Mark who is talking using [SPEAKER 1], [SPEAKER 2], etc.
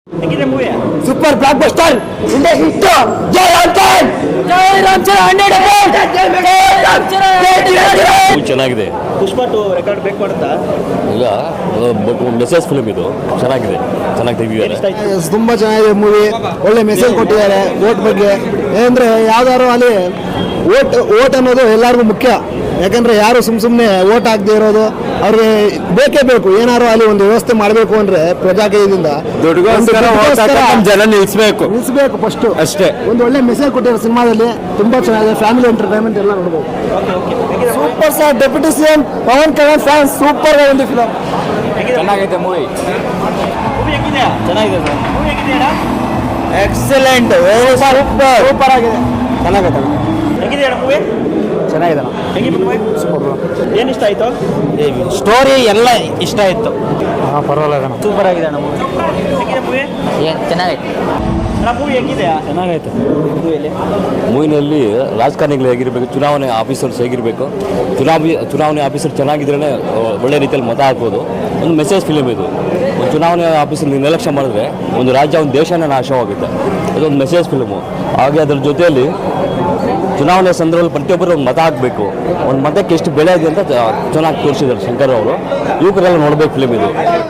[SPEAKER 1] ಹೇಗಿದೆ movie?
[SPEAKER 2] Super blockbuster India hit. ಜೈ ರಾಮ್ ಜೈ ರಾಮ್ ಚರಣ್ 100%.
[SPEAKER 3] ಚೆನ್ನಾಗಿದೆ.
[SPEAKER 1] ಪುಷ್ಪ 2 ರೆಕಾರ್ಡ್ ಬ್ರೇಕ್ ಮಾಡುತ್ತಾ?
[SPEAKER 3] ಇಲ್ಲ, ಬಟ್ ಮೆಸೇಜ್ ಫಿಲ್ಮ್ ಇದು ಚೆನ್ನಾಗಿದೆ, ಚೆನ್ನಾಗಿ ತೆಗಿದ್ದಾರೆ.
[SPEAKER 1] ಇಷ್ಟ ಆಯ್ತು?
[SPEAKER 2] ತುಂಬಾ ಚೆನ್ನಾಗಿದೆ ಮೂವಿ. ಒಳ್ಳೆ ಮೆಸೇಜ್ ಕೊಟ್ಟಿದ್ದಾರೆ ವೋಟ್ ಬಗ್ಗೆ. ಏನಂದ್ರೆ ಯಾವ್ದಾದ್ರು ಅಲ್ಲಿ ವೋಟ್ ಅನ್ನೋದು ಎಲ್ಲರಿಗೂ ಮುಖ್ಯ. ಯಾಕಂದ್ರೆ ಯಾರು ಸುಮ್ಮನೆ ವೋಟ್ ಹಾಕದೇ ಇರೋದು ಅವ್ರಿಗೆ ಬೇಕೇ ಬೇಕು. ಏನಾದ್ರು ಅಲ್ಲಿ ಒಂದು ವ್ಯವಸ್ಥೆ ಮಾಡಬೇಕು ಅಂದ್ರೆ ಪ್ರಜಾಕೀಯದಿಂದ
[SPEAKER 3] ಜನ ನಿಲ್ಲಿಸಬೇಕು
[SPEAKER 2] ಫಸ್ಟ್
[SPEAKER 3] ಅಷ್ಟೇ.
[SPEAKER 2] ಒಂದು ಒಳ್ಳೆ ಮೆಸೇಜ್ ಕೊಟ್ಟಿದ್ದಾರೆ ಸಿನಿಮಾದಲ್ಲಿ. ತುಂಬಾ ಚೆನ್ನಾಗಿದೆ. ಫ್ಯಾಮಿಲಿ ಎಂಟರ್ಟೈನ್ಮೆಂಟ್ ಎಲ್ಲ ನೋಡ್ಬೋದು.
[SPEAKER 1] Okay okay. ಹೇಗಿದೆ?
[SPEAKER 2] Super star deputy CM Pawan Kalyan fans super ಒಂದು ಫಿಲಮ್.
[SPEAKER 1] ಹೇಗಿದೆ?
[SPEAKER 3] ಚೆನ್ನಾಗೈತೆ ಮೂವಿ.
[SPEAKER 1] ಮೂವಿ ಹೇಗಿದೆ?
[SPEAKER 3] ಚೆನ್ನಾಗಿದೆ ಸರ್.
[SPEAKER 1] ಮೂವಿ ಹೇಗಿದೆಯಾ?
[SPEAKER 2] ಎಕ್ಸಲೆಂಟ್. ಸೂಪರ್ ಆಗಿದೆ. ಚೆನ್ನಾಗೈತೆ.
[SPEAKER 1] ಹೇಗಿದೆಯಾ ಮೂವಿ?
[SPEAKER 2] ಚೆನ್ನಾಗಿದೆ.
[SPEAKER 1] ಹೇಗಿದೆ ಮೂವಿ? ಏನು ಇಷ್ಟ ಆಯ್ತು?
[SPEAKER 2] ಸ್ಟೋರಿ ಎಲ್ಲ ಇಷ್ಟ ಆಯ್ತು. ಪರವಾಗಿಲ್ಲ.
[SPEAKER 1] ಸೂಪರ್ ಆಗಿದೆ ಅಣ್ಣ ಮೂವಿ. ಹೇಗಿದೆ ಮೂವಿ?
[SPEAKER 2] ಚೆನ್ನಾಗೈತೆ.
[SPEAKER 1] ಅಣ್ಣ ಮೂವಿ ಹೇಗಿದೆಯಾ?
[SPEAKER 2] ಚೆನ್ನಾಗೈತೆ.
[SPEAKER 1] ಮೂವಿಯಲ್ಲಿ
[SPEAKER 3] ಮೂವಿನಲ್ಲಿ ರಾಜಕಾರಣಿಗಳು ಹೇಗಿರಬೇಕು, ಚುನಾವಣೆ ಆಫೀಸರ್ಸ್ ಹೇಗಿರಬೇಕು, ಚುನಾವಣೆ ಆಫೀಸರ್ ಚೆನ್ನಾಗಿದ್ರೇ ಒಳ್ಳೆ ರೀತಿಯಲ್ಲಿ ಮತ ಹಾಕ್ಬೋದು. ಒಂದು ಮೆಸೇಜ್ ಫಿಲಿಮ್ ಇದು. ಒಂದು ಚುನಾವಣೆ ಆಫೀಸರ್ ನಿರ್ಲಕ್ಷ್ಯ ಮಾಡಿದ್ರೆ ಒಂದು ರಾಜ್ಯ, ಒಂದು ದೇಶನೇ ನಾಶವಾಗುತ್ತೆ. ಇದೊಂದು ಮೆಸೇಜ್ ಫಿಲ್ಮು. ಹಾಗೆ ಅದರ ಜೊತೆಯಲ್ಲಿ ಚುನಾವಣೆ ಸಂದರ್ಭದಲ್ಲಿ ಪ್ರತಿಯೊಬ್ಬರು ಒಂದು ಮತ ಹಾಕಬೇಕು. ಒಂದು ಮತಕ್ಕೆ ಎಷ್ಟು ಬೆಲೆ ಇದೆ ಅಂತ ಚೆನ್ನಾಗಿ ತೋರಿಸಿದ್ದಾರೆ ಶಂಕರ್ ಅವರು. ಯುವಕರೆಲ್ಲ ನೋಡಬೇಕು ಫಿಲ್ಮ್ ಇದು.